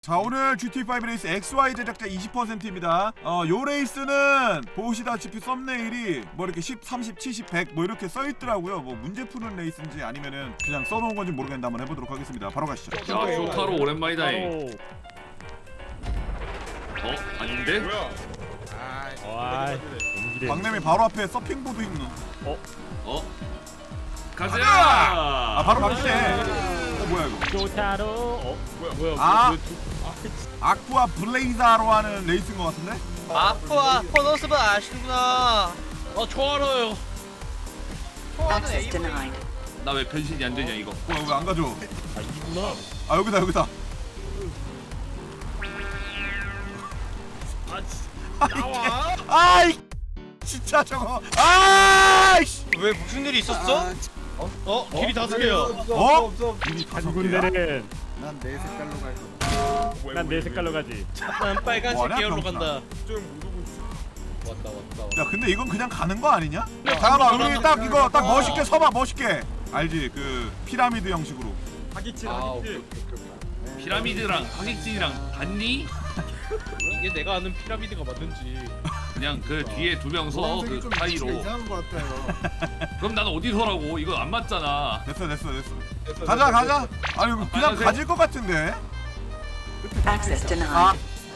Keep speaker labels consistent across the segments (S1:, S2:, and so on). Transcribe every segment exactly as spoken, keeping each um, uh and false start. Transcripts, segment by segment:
S1: 자, 오늘 지티에이 오 레이스 엑스와이 제작자 이십 퍼센트입니다. 어, 요 레이스는 보시다시피 썸네일이 뭐 이렇게 십, 삼십, 칠십, 백 뭐 이렇게 써있더라고요. 뭐 문제 푸는 레이스인지 아니면은 그냥 써놓은 건지 모르겠는데 한번 해보도록 하겠습니다. 바로 가시죠.
S2: 야, 조타로 오랜만이다. 이. 어? 아닌데?
S3: 뭐야?
S4: 와,
S1: 박냄이 바로 앞에 서핑보드 있는.
S2: 어? 가자!
S1: 아, 바로 바뀌네. 어, 뭐야 이거?
S4: 조타로. 어,
S3: 뭐야?
S4: 뭐야?
S1: 아.
S4: 왜 두-
S1: 아쿠아 블레이자로 하는 레이스인 것 같은데?
S5: 아쿠아 포너스분 아시는구나.
S3: 아, 저 알아요.
S5: 초아는
S6: Access
S5: 에이브이.
S6: denied.
S2: 나 왜 변신이 안 되냐 이거?
S1: 뭐야 왜 안 가져?
S4: 아, 이구나.
S1: 아 여기다 여기다.
S3: 나와.
S1: 아이 진짜 저거. 아이씨.
S5: 왜 무슨 일이 있었어?
S3: 어? 길이 다섯 개야.
S1: 어? 이미
S4: 한
S1: 다섯 개야?
S4: 군데는
S7: 난 내 색깔로 갈 거야.
S4: 난 내 색깔로 가지.
S5: 난 빨간색
S1: 뭐하냐,
S5: 계열로
S1: 병신아.
S5: 간다.
S3: 좀 모르고 있어. 왔다 왔다.
S1: 야 근데 이건 그냥 가는 거 아니냐? 잠깐만 우리 딱 이거 딱 멋있게 서봐 멋있게. 알지 그 피라미드 형식으로.
S3: 하기칠
S7: 아,
S3: 하기칠.
S2: 피라미드랑 하객진이랑 같니?
S5: 이게 내가 아는 피라미드가 맞는지.
S2: 그냥 그 뒤에 두 명 서
S7: 노란색이
S2: 그
S7: 좀
S2: 사이로.
S7: 위치가 이상한 것 같아요.
S2: 그럼 난 어디서라고? 이거 안 맞잖아.
S1: 됐어 됐어 됐어. 가자 가자. 아니 이거 그냥
S2: 빨간색.
S1: 가질 것 같은데.
S6: Access denied.
S1: 아,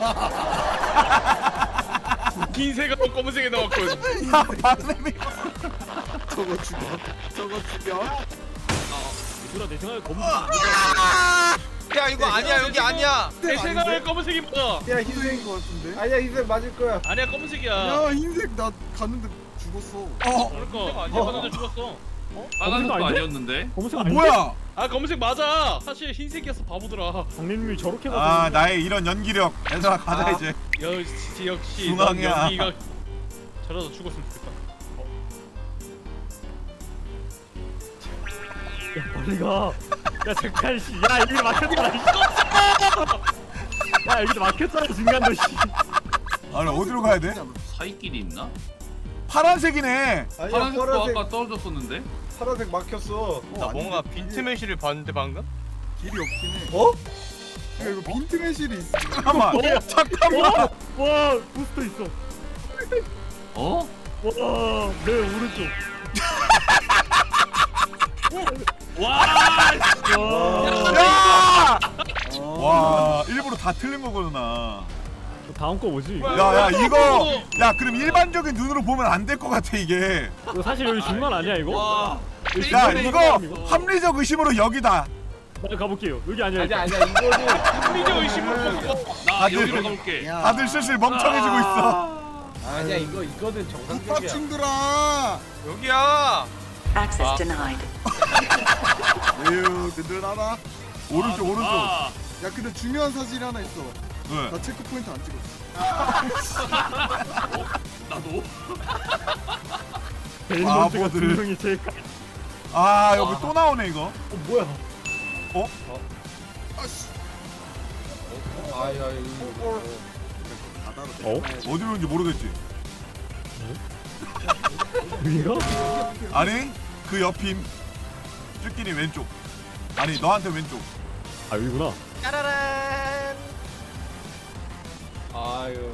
S3: 긴 색하고 검은색에 나왔군.
S1: 야 박냄이.
S7: 저거 죽여. 저거 죽여.
S4: 이구나 내 생각에 검은.
S5: 야 이거 아니야 여기 아니야.
S3: 내 색깔 검은색이 맞아.
S7: 야 흰색인 것 같은데? 아니야 흰색 맞을 거야.
S3: 아니야 검은색이야.
S7: 야 흰색 나 갔는데 죽었어.
S1: 어
S3: 그러니까 아니야 봤는데 죽었어.
S2: 빨간색도
S4: 아닌데?
S2: 아니었는데?
S4: 검은색 아닌데?
S1: 뭐야?
S3: 아 검은색 맞아. 사실 흰색이었어 바보들아.
S4: 장님이 저렇게 가서.
S1: 아 나의 이런 연기력. 얘들아 가자
S5: 아.
S1: 이제.
S3: 역시 역시
S1: 중앙이야.
S3: 넌 여기가 저러다 죽었으면 좋겠다.
S4: 야, 빨리 가. 야, 잠깐 씨. 야, 여기 막혔잖아. 씨. 야, 여기 막혔잖아, 중간도 씨.
S1: 아니 어디로 가야 돼?
S2: 사이길이 있나?
S1: 파란색이네.
S7: 아니야
S2: 파란색도
S7: 파란색
S2: 아까 떨어졌었는데?
S7: 파란색 막혔어.
S5: 나 뭔가 빈트 매실을 봤는데 방금?
S7: 길이 없긴 해. 어? 야 이거 빈트 매실이 있어.
S1: 잠깐만. 잠깐만.
S4: 와, 와, 부스터 있어.
S2: 어?
S4: 와, 내 오른쪽.
S2: 와!
S4: 와.
S1: 야!
S7: 어.
S1: 와 일부러 다 틀린 거구나.
S4: 다음 거 뭐지? 이거?
S1: 야야 이거 야 그럼 일반적인 눈으로 보면 안 될 것 같아 이게.
S4: 이거 사실 여기 중간 아니야 이거?
S2: 와!
S1: 야
S4: 중간
S1: 이거
S4: 사람이고.
S1: 합리적 의심으로 여기다.
S4: 나 가볼게요. 여기 아니야.
S7: 아니야
S4: 일단.
S7: 아니야 이거는
S3: 합리적 의심을 보고.
S2: 나
S1: 다들-
S2: 여기로 가볼게.
S7: 야.
S1: 다들 슬슬 멍청해지고 있어.
S7: 아니야 이거 이거는 정상적이야. 국밥충들아.
S5: 여기야.
S6: Access
S5: 아.
S6: denied.
S7: 에휴 든든하다.
S1: 오른쪽 오른쪽.
S2: 아,
S7: 야 근데 중요한 사실이 하나 있어.
S1: 왜?
S7: 나 체크 포인트 안 찍었어.
S2: 나도.
S4: 벨몬트가 두
S1: 바보들.
S4: 명이 제일 까.
S1: 아 여기 또 나오네 이거.
S4: 어 뭐야?
S7: 아씨. 아야 이거. 바다로
S4: 어?
S1: 어디로 온지 모르겠지.
S4: 여기가?
S1: 아니 그 옆임. 쭈끼니 왼쪽. 아니 너한테 왼쪽.
S4: 아 여기구나.
S5: 짜라란.
S3: 아유.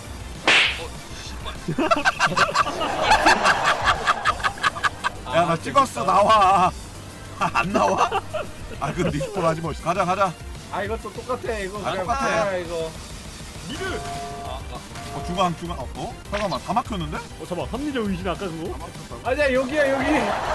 S1: 야 나 찍었어 나와. 아, 안 나와? 아 그 리스폰 하지 뭐. 가자 가자.
S7: 아 이것도 똑같아 이거.
S1: 아,
S7: 그냥
S1: 똑같아.
S7: 아, 이거.
S3: 니를.
S1: 어 중앙 중앙. 어? 어? 잠깐만 다 막혔는데?
S4: 어 잠깐 합리적 의심 아까 그거?
S7: 아니야 여기야 여기.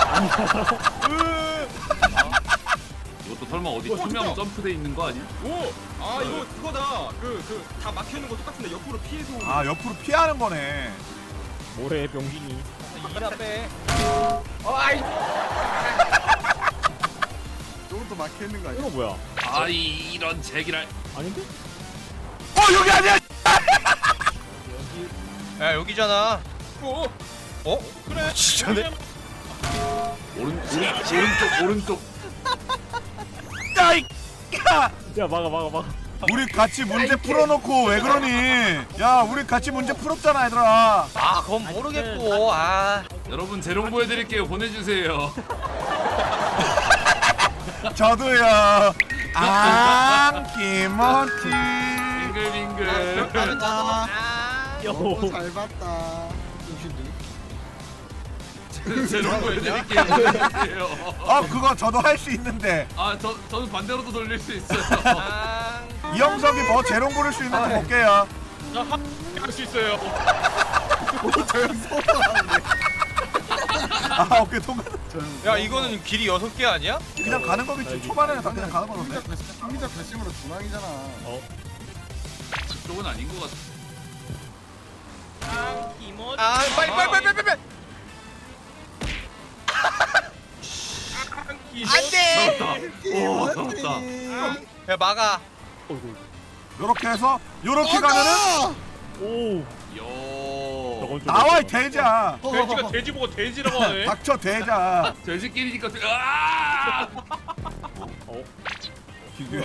S2: 이것도 설마 어디 투명 점프돼 있는 거 아니야?
S3: 오. 아 이거 그거다. 그 그 다 막혀 있는 거 똑같은데 옆으로 피해서 오는.
S1: 아 옆으로 피하는 거네.
S4: 모래 병신이.
S5: 이라 빼.
S7: 어 아이. 저것도 막혀 있는 거 아니야?
S4: 이거 뭐야?
S2: 아 이- 이런 제기랄.
S4: 아닌데?
S1: 어 여기 아니야.
S5: 야 여기잖아.
S3: 어?
S5: 어? 그래. 진짜네.
S2: 오른 오른 오른쪽 오른쪽.
S1: 야이. 야!
S4: 야 막아 막아 막아.
S1: 우리 같이 문제 풀어놓고 왜 그러니? 야 우리 같이 문제 풀었잖아 얘들아.
S5: 아 그건 모르겠고. 아.
S2: 여러분 재롱 보여드릴게요. 보내주세요.
S1: 저도요. 아 김어치.
S2: 빙글빙글.
S7: 아,
S4: 요.
S7: 너무 잘 봤다.
S2: 제롱 보여드릴게요. 보여드릴게요.
S1: 어 그거 저도 할 수 있는데
S2: 아, 저 저는 반대로도 돌릴 수 있어요.
S1: 이영석이 뭐 재롱 부를 수 있는지 볼게요.
S3: 할수 있어요.
S1: 아 오케이 통과.
S5: 야 이거는 길이 여섯 개 아니야?
S1: 그냥 가는 거겠지. 초반에는 다 그냥 가는
S7: 김민자
S1: 거던데.
S7: 결심, 김민자 결심으로 중앙이잖아.
S2: 그쪽은 아닌 것 같아.
S5: 아 빨리 빨리 빨리 빨리 빨리. 안돼.
S2: 오, 잡았다.
S5: 야 막아.
S1: 요렇게 해서 요렇게 가면은
S4: 오.
S2: 요.
S4: 저건 좀
S1: 나와 이 돼지야.
S3: 돼지가 돼지 보고 돼지라고 하네.
S1: 닥쳐 돼지야.
S2: 돼지끼리니까. 돼- 아!
S4: 어.
S1: 기규야.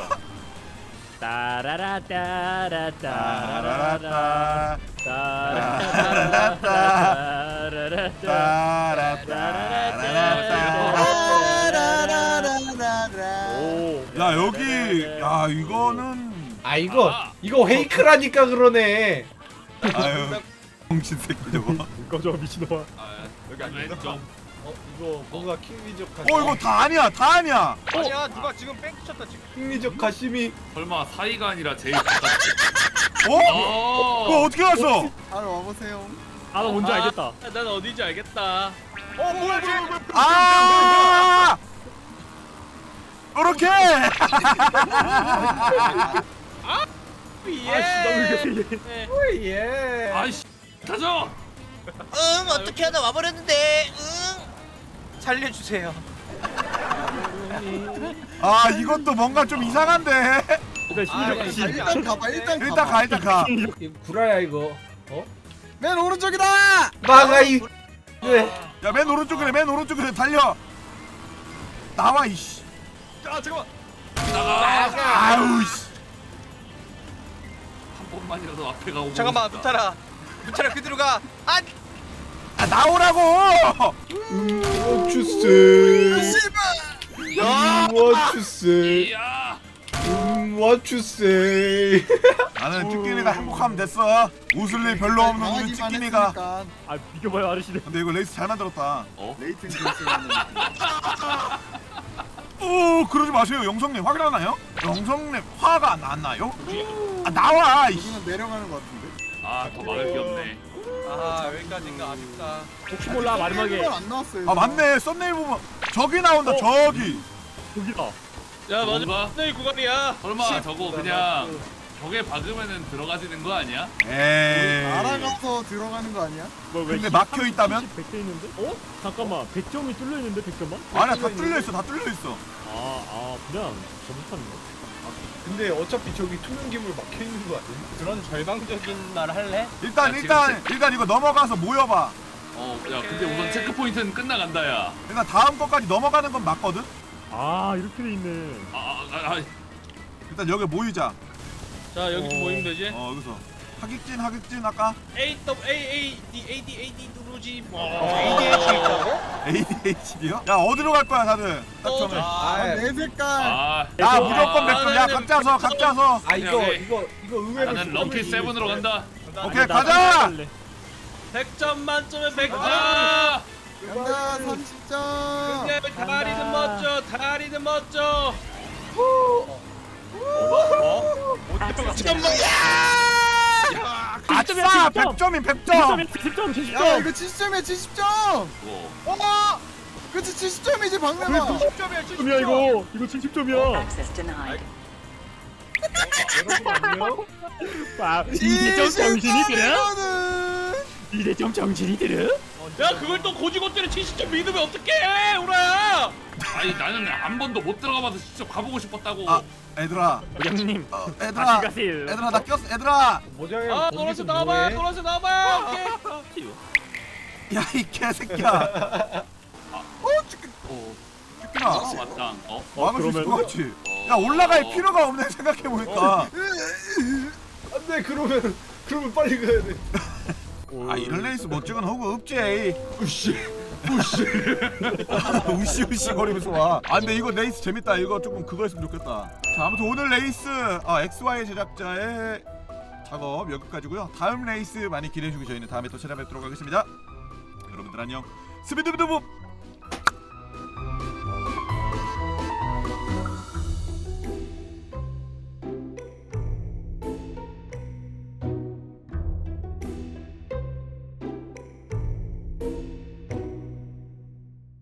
S4: 따라라따라따라라.
S1: 따라라따.
S7: 따라라라라라.
S4: 오.
S1: 야 여기 야 이거는
S8: 아 이거 이거 페이크라니까 그러네.
S1: 아유 정신 새끼 저거.
S4: 꺼져 미친놈아.
S2: 아, 여기 안 왼쪽.
S8: 어 이거 뭔가 킹리적
S1: 어 이거 다 아니야 다 아니야.
S5: 아니야 누가 지금 뺑 쳤다 지금.
S8: 킹리적 가심이.
S2: 설마 사이가 아니라 제일 가깝.
S1: 어?
S2: 어.
S1: 그거 어떻게 갔어?
S7: 아 와보세요.
S4: 아, 나 뭔지 알겠다.
S3: 난 어딘지 알겠다.
S5: 어 뭐야 뭐야 뭐야.
S1: 아! 이렇게.
S3: 예.
S8: 예.
S2: 아이씨. 가져.
S5: 응 어떻게 하다 와버렸는데. 응. 살려주세요.
S1: 아 이것도 뭔가 좀 이상한데.
S4: 일단 심리적
S5: 아,
S4: 가시.
S7: 일단 가봐. 일단 가봐.
S1: 일단 가 일단 가.
S8: 이거 구라야 이거. 어?
S7: 맨 오른쪽이다.
S8: 막아 이. 왜?
S1: 야 맨 오른쪽이래 맨 오른쪽이래 달려. 나와 이씨.
S3: 아 잠깐만.
S1: 아우 씨.
S2: 한 번만이라도 앞에 가고.
S5: 잠깐만
S2: 보고 싶다.
S5: 무타라. 무타라 그대로 가. 아.
S1: 아 나오라고.
S8: 워추스.
S7: 씨발.
S8: 워추스.
S2: 이야.
S8: 워추스.
S1: 나는 쭈끼니가 행복하면 됐어. 웃을 일 별로 없는 우리
S7: 강하기만
S1: 쭈끼니가.
S7: 했으니까.
S4: 아, 비켜봐요 아저씨들.
S1: 근데 이거 레이스 잘 만들었다.
S2: 어?
S7: 레이튼 결승하는.
S1: 오 그러지 마세요 영성님 확인하나요? 영성님 화가 안, 안 나요? 아 나와 이씨.
S7: 여기는 내려가는 것 같은데.
S2: 아, 더 막을 게 없네.
S5: 아 여기까지인가 아쉽다.
S4: 혹시 몰라 마지막에
S7: 일본 안 나왔어요.
S1: 아 맞네 썸네일 보면 저기 나온다
S4: 어?
S1: 저기.
S4: 여기다.
S3: 야
S2: 뭔가?
S3: 내 구간이야.
S2: 설마 저거 그냥 벽에 박으면은 들어가지는 거 아니야?
S1: 에이.
S7: 알아가서 들어가는 거 아니야?
S4: 뭐, 왜
S1: 근데 막혀 있다면?
S4: 백 대 있는데? 어? 잠깐만. 백 점이 뚫려 있는데 백 점만?
S1: 아니야 다 뚫려 있어 다 뚫려 있어.
S4: 아, 아, 그냥 점수판인가?
S8: 근데 어차피 저기 투명 기물 막혀 있는 거 아니야?
S5: 그런 절망적인 말 할래?
S1: 일단
S2: 야,
S1: 일단
S2: 지금
S1: 일단 이거 넘어가서 모여봐.
S2: 어, 야, 근데 우선 체크 포인트는 끝나간다, 야.
S1: 일단 다음 거까지 넘어가는 건 맞거든.
S4: 아, 이렇게 돼 있네.
S2: 아, 아, 아,
S1: 일단 여기 모이자.
S3: 자 여기
S4: 어.
S3: 모이면 되지.
S1: 어 여기서 하객진 하객진 아까
S3: A W A A D A D A D 누르지.
S1: 에이디에이치디요? 야 어디로 갈 거야 다들? 딱
S3: 어,
S1: 정해.
S7: 아,
S8: 아,
S7: 내 색깔.
S2: 아,
S1: 야 무조건
S3: 아,
S1: 백점. 야
S3: 네,
S1: 각자 서 각자 서.
S8: 아 이거
S2: 오케이.
S8: 이거 이거 의외로
S2: 나는 럭키 세븐으로 간다.
S1: 오케이 가자.
S3: 백 점 만점에 백 점.
S2: 아,
S7: 간다 삼십 점.
S3: 그냥 다리는 멋져. 다리는 멋져.
S6: Access denied.
S1: 아싸 백 점인 백 점.
S4: 칠십 점, 칠십
S7: 야
S4: 점.
S7: 이거 칠십 점이야 칠십 점.
S2: 뭐.
S7: 어? 그치 칠십 점이지 방금아.
S3: 십 점이야 칠십 점.
S4: 점이야 이거. 이거 칠십 점이야.
S6: Access denied.
S4: 아, 이제 좀 정신이 들어?
S7: 이거는
S4: 이제 좀 정신이 들어?
S3: 야 그걸 또 고지고대로 칠십 점 믿으면 어떡해 우라야.
S2: 아니, 나는 한 번도 못 들어가봐서 직접 가보고 싶었다고.
S1: 아 얘들아
S4: 형님.
S1: 어,
S4: 다시
S1: 얘들아
S4: 가세요.
S1: 얘들아 나 꼈어 얘들아.
S8: 모자에
S3: 아 노란색 나와봐. 노란색 나와봐. 오케이.
S1: 야 이 개새끼야.
S2: 어,
S1: 쭈끼나.
S2: 아, 맞다. 어?
S4: 어,
S1: 막을 수 있을
S4: 그러면-
S1: 것 같지?
S2: 어.
S1: 야 올라갈 필요가 없네 생각해보니까.
S8: 안돼 그러면 그러면 빨리 가야 돼.
S1: 아 이런 레이스 못 찍은 호구 없지.
S8: 으씨
S1: 우시우시 거리면서 와. 아 근데 이거 레이스 재밌다. 이거 조금 그거 했으면 좋겠다. 자 아무튼 오늘 레이스 아, 엑스와이 제작자의 작업 여기까지고요. 다음 레이스 많이 기대해 주시고 저희는 다음에 또 찾아뵙도록 하겠습니다. 여러분들 안녕. 스비드비드봅.